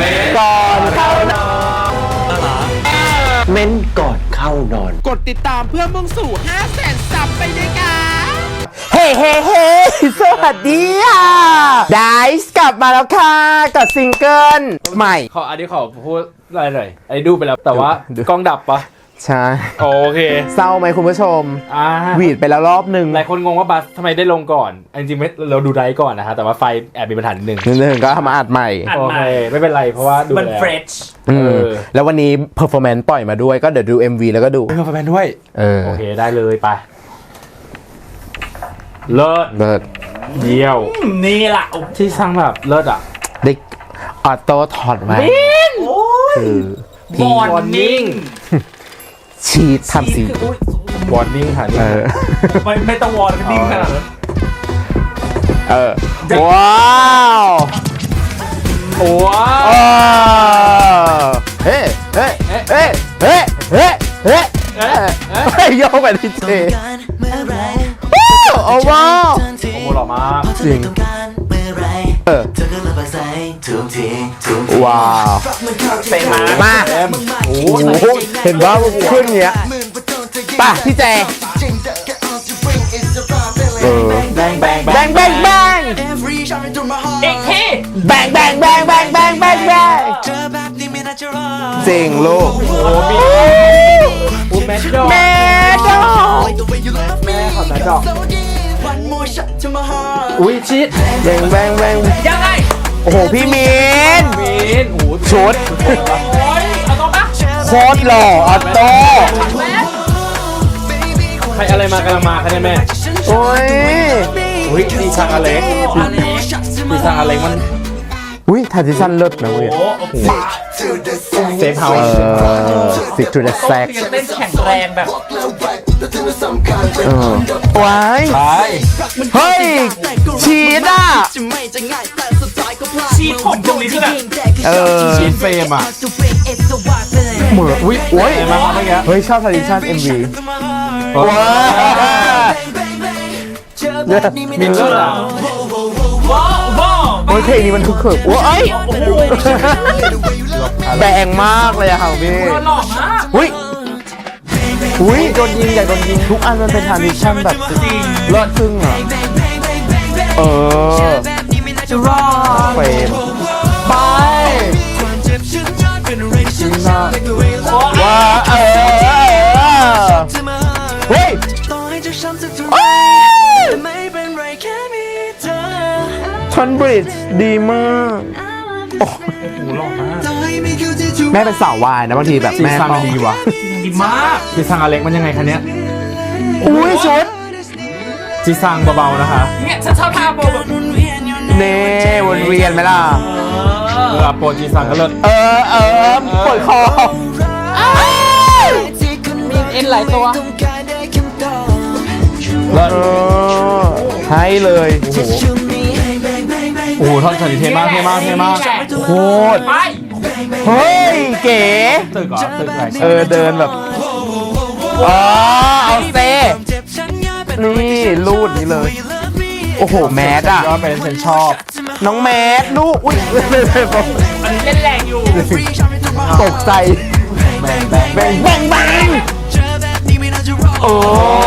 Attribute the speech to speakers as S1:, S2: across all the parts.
S1: ก่อนเข้านอนเม้นก่อนเข้านอน
S2: กดติดตามเพื่อมุ่งสู่ 500,000 ซับไปด้วยกัน
S1: เฮ้เฮ้เฮ้สวัสดีค่ะไดซ์กลับมาแล้วค่ะกับซิงเกิลใหม่
S3: อันนี้ขอพูดอะไรหน่อยไอ้ดูไปแล้วแต่ว่ากล้องดับปะ
S1: ใช่
S3: โอเค
S1: เศร้าไหมคุณผู้ชมหวีดไปแล้วรอบนึง
S3: หลายคนงงว่าบัสทำไมได้ลงก่อนจริงๆไม่เราดูไดก่อนนะฮะแต่ว่าไฟแอบมีปัญหานิดนึง
S1: ก็ทำมาอัดใหม่
S3: โอเคไม่เป็นไรเพราะว่าดู
S2: มันเฟรช
S1: แล้ววันนี้เพอร์ฟอร์แมนซ์ปล่อยมาด้วยก็เดี๋ยวดู MV แล้วก็ดู
S3: เพอร์ฟอร์แมนซ์ด้วยโอเคได้เลยไปเลิศเยี่ยว
S2: นี่แหละ
S3: ที่สร้างแบบเลิศอ่ะ
S1: เด็กออโต้ถอดไว้คือ
S2: วอร์นิ่ง
S1: ชีททำสี
S3: วอร์นิ่งค่ะ
S2: ไม่ต้องวอร์นิ่งขนาดนั้น
S1: ว้าวเฮ้เฮ้เฮ้เฮ้เฮ้เฮ้เฮ้โยกไปที่เจโอ้ว้าว
S3: โอ้หล่อมาก
S1: จริงว้าว
S2: เป็น
S1: มากโอ้โหเห็นว่าขึ้นเนี้ยป่ะพี่แจ
S2: แบงแบง
S1: แบงแบงแบง
S2: อีกที
S1: แบงแบงแบงแบงแบงแบงแบงจริงลูก
S3: โอ้มีแม่ดอก
S1: แม่ดอก
S3: แม่ขอแม่ดอกอุ้ยชิด
S1: แบงแบงแบง
S2: ยังไง
S1: โอ้โหพี่มิน
S3: โอ้
S1: ชุด
S2: โอ้ยเอาตัวปะ
S1: โคตรหล่อออโต้
S3: ใครอะไรมากำลังมาคะเนี่ยแม่
S1: โอ้ย
S3: ดีซังอเล็กดีซังอเล็กมัน
S1: ทาร์ติซันเลิศนะเว้ย
S3: เซฟเฮาส์
S1: สิทูเดอะแซก
S2: เต้นแข็งแรงแบบ
S1: ว้ายเฮ้ยชีดอ่ะ
S2: ชีดผมตรงนี้คือแบบ
S3: ชีดเฟรมอ่ะ
S1: เหมือนโอ้ย
S3: มาเมื่อกี้
S1: เฮ้ยชอบทาร์ติซัน MV ว้า
S3: มินเลอร์อ่ะ
S1: โอ้ยเพลงนี้มันคึกคืนโอ้ยแบงมากเลยอะค่ะพี่อุ้ยโดนยิงอยากโดนยิงทุกอันมันเป็นทาร์ติซันแบบเลิศซึ่งอ่ะเฟรมไปว้าเฮ้ยชอนบริดจ์ดีมาก
S3: โอ้โหหล่อมาก
S1: แม่เป็นสาววายนะบางทีแบบแม่
S3: ต้องดีว่ะ
S2: ดีมาก
S3: จีซังอเล็กมันยังไงคะเนี้ย
S1: อุ้ยชุด
S3: จีซังเบาๆนะคะ
S2: เนี่ยฉันชอบท่าโบแบบ
S1: เน่วนเวียนไหมล่ะ
S3: โปรจีซังก็เลิศ
S1: ปวดคอ
S2: มีเอ็นหลายตัว
S3: เลิศ
S1: ให้เลย
S3: โอ้โหท่อนฉากเท่มาก
S1: โคตรเฮ้ยเก๋
S3: ตึกไหน
S1: เดินแบบเอาเซ่นี่รูดนี่เลยโอ้โหแมสอ่ะ
S3: ก็เป็นฉันชอบ
S1: น้องแมสลูกอุ้ย
S2: อันนี้เล่นแรงอยู่
S1: ตกใจแบงโอ้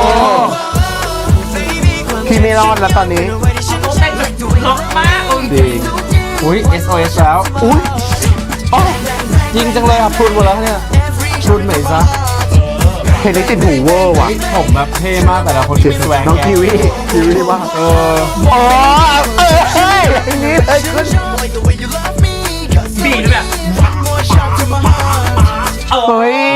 S1: พี่ไม่รอดแล้วตอนนี้
S2: ล็อกมาก
S3: จริงอุ้ย SOS แล้ว
S1: อุ้ย
S3: ยิงจังเลยอ่ะพรุนหมดแล้วเนี่ยพรุนไหนซะ
S1: เพลงนี้ติดหูเวอร์ว่ะ
S3: ผมแบบเท่มากแต่ละคนเป็นแสวง
S1: น้องคิวี่มากเฮ้ยอย่างนี้เลยขึ้น
S2: บีดแบบ
S1: เฮ้ย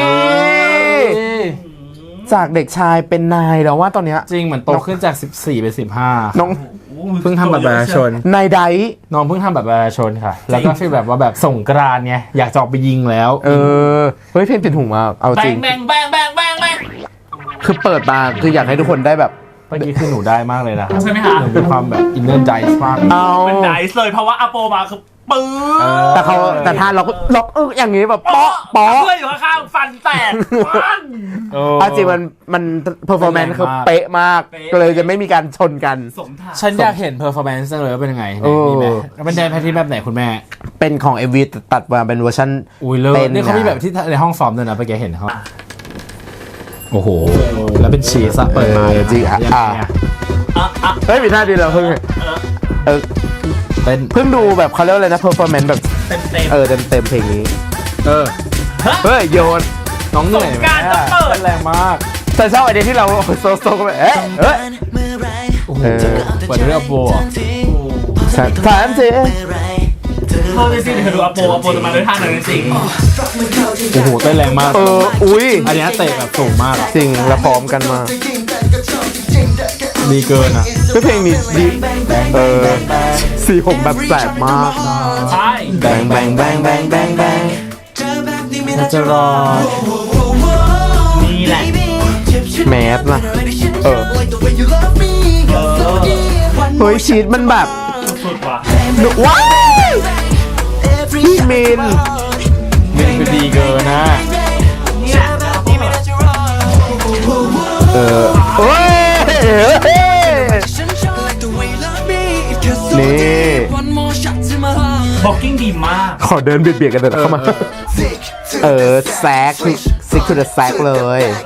S1: จากเด็กชายเป็นนายแล้วว่าตอนเนี้ย
S3: จริงเหมือนโตขึ้นจาก14เป็น15
S1: น้อง
S3: เพิ่งทำบัตรประชาชน
S1: นายได
S3: น้องเพิ่งทำบัตรประชาชนค่ะแล้วก็ฟีลแบบว่าแบบส่งกรานไงอยากจะออกไปยิงแล้ว
S1: เฮ้ยเพลงติดหูมากเอาจริง
S2: แบง
S1: คือเปิดมาคืออยากให้ทุกคนได้แบบ
S3: เมื่อกี้คือหนูได้มากเลยนะ
S2: ใช่ไหมคะ
S3: หนูมีความแบบอินเนอร์ไดส์มาก
S2: มันไดส์เลยเพราะว่าอาโปมาคือปื้อ
S1: แต่ถ้าล็อกอย่างงี้แบบเปาะ
S2: เพื่อนอยู่ข้างๆฟันแตกฟัน
S1: เอาจริงมันเพอร์ฟอร์แมนซ์คือเป๊ะมากก็เลยจะไม่มีการชนกัน
S2: สมถะ
S3: ฉันอยากเห็นเพอร์ฟอร์แมนซ์เลยว่าเป็นยังไง
S1: เออ
S3: มีไหมเป็นแดนแพทที่แบบไหนคุณแม่
S1: เป็นของ MV ตัดมาเป็นเวอร์ชัน
S3: อุ้ยเลิศ
S1: เป็น
S3: นี่เขามีแบบที่ในห้องซ้อมด้วยนะเมื่อกี้เห็นเขาโอ้โห แล้วเป็นชีสอะเปิดมา
S1: จริงเฮ้ยมีท่าดีแล้วเพิ่ง
S3: เป็น
S1: เพิ่งดูแบบเขาเรียกอะไรนะเพอร์ฟอร์แมนซ์แบบ
S2: เต็ม
S1: เต็มเพลงนี้
S3: เฮ้ย
S1: โยน
S3: น้องเหนื่อย
S2: สงกรานต์ต้องเปิด
S3: แรงมาก
S1: แต่ชอบไอเดียที่เราโซกันไป
S3: โอ้โหเปิดเรื่องโบอ่ะ
S1: ถามสิ
S2: เธอจริงๆเธอดูอโปจะมาด้วยท่าไหนจริง
S3: โอ้โหเต้นแรงมาก
S1: อุ้ย
S3: อันนี้เตะแบบสูงมากอะ
S1: จริงแล้วพร้อมกันมา
S3: ดีเกินอ่ะ
S1: เพลงนี้ดีสีผมแบบแสบมาก
S2: ใช่
S1: แบง
S3: จะรอ
S2: นี่แหละ
S1: แมสนะเฮ้ยชีตมันแบบ
S2: สุดว่ะ
S1: ว้ายพี่มิน
S3: มันคือดีเกินนะ
S1: เฮ้ยนี่
S2: บ็อกกิ้งดีมาก
S1: ขอเดินเบียดกันเดินเข้ามาแซกซิกคือแซกเลย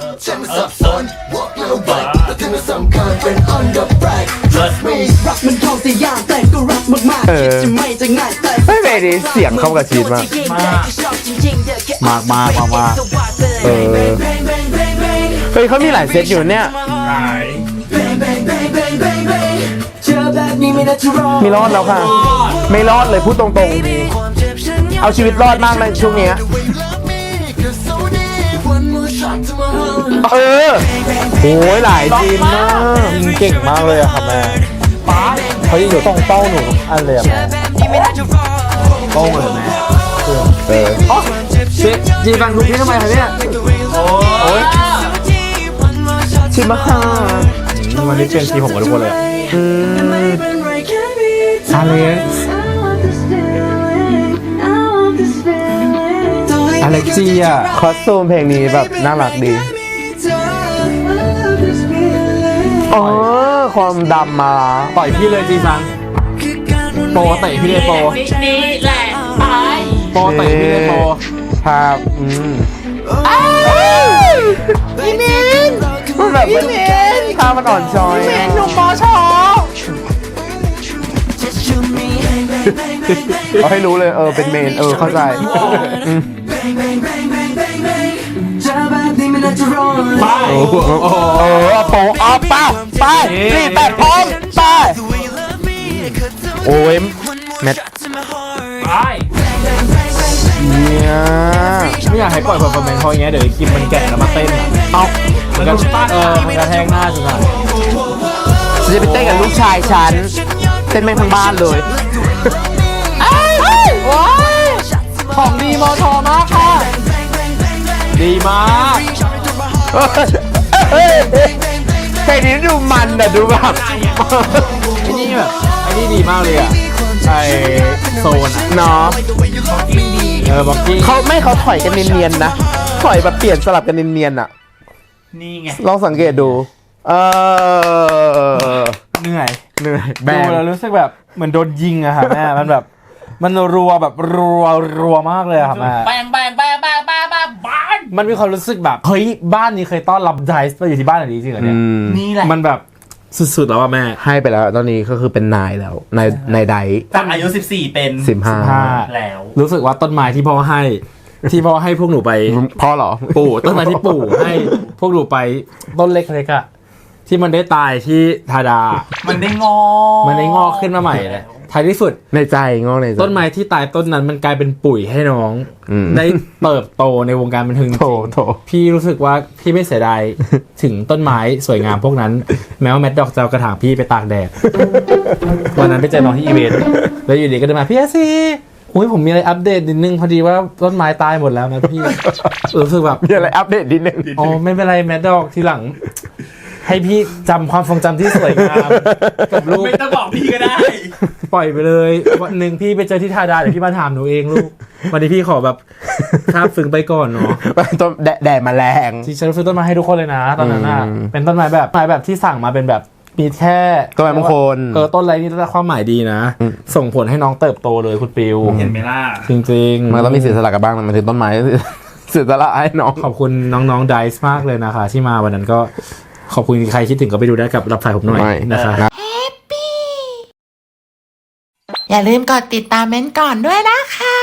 S4: มันเข้าใจยากแต่ก็รักมากๆคิดจะไม่จะง่ายแต่
S1: ไม่เพลงนี้เสียงเข้ากับชีตมาก
S3: มาก
S1: เฮ้ยเขามีหลายเซตอยู่เนี่ย มีรอดแล้วค่ะ ไม่รอดเลยพูดตรงๆ เอาชีวิตรอดมากในช่วงนี้โอ้ยหลายจีนมาก
S3: ยิงเก่งมากเลยอะครับแม่เขายิงอยู่ต้องเป้าหนูอันเลยอะแม่โป้งเลยแม่จีฟังทุกที่ทำไมคะเนี่ยโอ้ย
S1: ชิมะค่ะ
S3: วันนี้เป็นทีผมกับทุกคนเลยอเล็กซ์อเล็กจีอะ
S1: คอสตูมเพลงนี้แบบน่ารักดีความดำมา
S3: ปล่อยพี่เลยจีซังโปเตะพี่เลยโป
S2: นี่แหละไป
S3: โปเตะพี่เลยโป
S1: ภาพพี่มินมันแบบภาพมันอ่อนช้อยพี่มินหนุ่มปอชอเอาให้รู้เลยเป็นเมนเข้าใจ
S2: ไป
S1: โปอัพไปรีบแปดพร้อมไปโอ้ยแมท
S2: ไป
S1: เนี่ย
S3: ไม่อยากให้ปล่อยเพอร์ฟอร์แมนซ์เพราะอย่างเงี้ยเดี๋ยวคิมมันแก่แล้วมาเต้นอะมันก็มันกระแทกหน้าจังอะ
S1: ฉันจะไปเต้นกับลูกชายฉันเต้นแม่งทั้งบ้านเลย
S3: ของดีมอทอมากค่ะดีมาก
S1: เพลงนี้ดูมันอะดูแบบ
S3: ไอ้นี่แบบไอ้นี่ดีมากเลยอะไอโซนอะ
S1: เนาะ
S3: บ็อกกิ้ง
S1: เขาถอยกันเนียนๆนะถอยแบบเปลี่ยนสลับกันเนียนๆอะ
S2: นี่ไง
S1: ลองสังเกตดู
S3: เหนื่อย
S1: แบ
S3: ดู
S1: ง
S3: แล้วรู้สึกแบบเหมือนโดนยิงอะค่ะแม่มันแบบมันรัวแบบรัวมากเลยอะค่ะแม่
S2: แบงบ้าน
S3: มันมีความรู้สึกแบบเฮ้ยบ้านนี้เคยต้อนรับไดส์มาอยู่ที่บ้านอะไรจริงเหรอเนี่ย
S2: นี่แหละ
S3: มันแบบสุดๆแล้วอะแม่
S1: ให้ไปแล้วตอนนี้ก็คือเป็นนายแล้วนายได
S2: จากอายุ14เป็น
S1: 15
S2: แล้ว
S3: รู้สึกว่าต้นไม้ที่พ่อให้พวกหนูไป
S1: พ่อเหรอ
S3: ปู่ต้นไม้ที่ปู่ให้พวกหนูไปต้นเล็กๆอะที่มันได้ตายที่ทาดา
S2: มันได้งอ
S3: ขึ้นมาใหม่เลยท้ายที่สุด
S1: ในใจงอกในใจ
S3: ต้นไม้ที่ตายต้นนั้นมันกลายเป็นปุ๋ยให้น้อง ได้เติบโตในวงการบันเทิงจริง
S1: โถ
S3: พี่รู้สึกว่าพี่ไม่เสียดาย ถึงต้นไม้สวยงามพวกนั้น แม้ว่าแมดดอกจะเอากระถางพี่ไปตากแดด วันนั้นไปเจอน้องที่อีเวนต์แล้วอยู่ดีก็เดินมาพี่สิอุ้ยผมมีอะไรอัปเดตนิดนึงพอดีว่าต้นไม้ตายหมดแล้วนะพี่ รู้สึกแบบ
S1: มีอะไรอัปเดตนิดนึง
S3: อ๋อไม่เป็นไรแมดดอกทีหลังให้พี่จำความทรงจำที่สวยงามกับลูก
S2: ไม่ต้องบอกพี่ก็ได้
S3: ปล่อยไปเลยวันหนึ่งพี่ไปเจอที่ทาดาเดี๋ยวพี่มาถามหนูเองลูกวันนี้พี่ขอแบบคาบฝึงไปก่อนเนาะ
S1: ต้นแดดแมลง
S3: ที่ฉันซื้อต้นไม้ให้ทุกคนเลยนะตอนนั้นน่ะ
S1: อืม
S3: เป็นต้นไม้แบบที่สั่งมาเป็นแบบมีแค่
S1: ต้นไม้มงคล
S3: ต้นอะไรนี่ได้ความหมายดีนะ ส่งผลให้น้องเติบโตเลยคุณปิว
S2: เห็นไหมล่ะ
S3: จริงๆ
S1: มันต้องมีเสียสละกันบ้างมันถึงต้นไม้ เสียสละให้น้อง
S3: ขอบคุณน้องๆไดซ์มากเลยนะคะ ที่มาวันนั้นก็ขอบคุณใครคิดถึงก็ไปดูได้กับรับสายผมหน่อยนะคะ
S5: อย่าลืมกดติดตามเม้นท์ก่อนด้วยนะคะ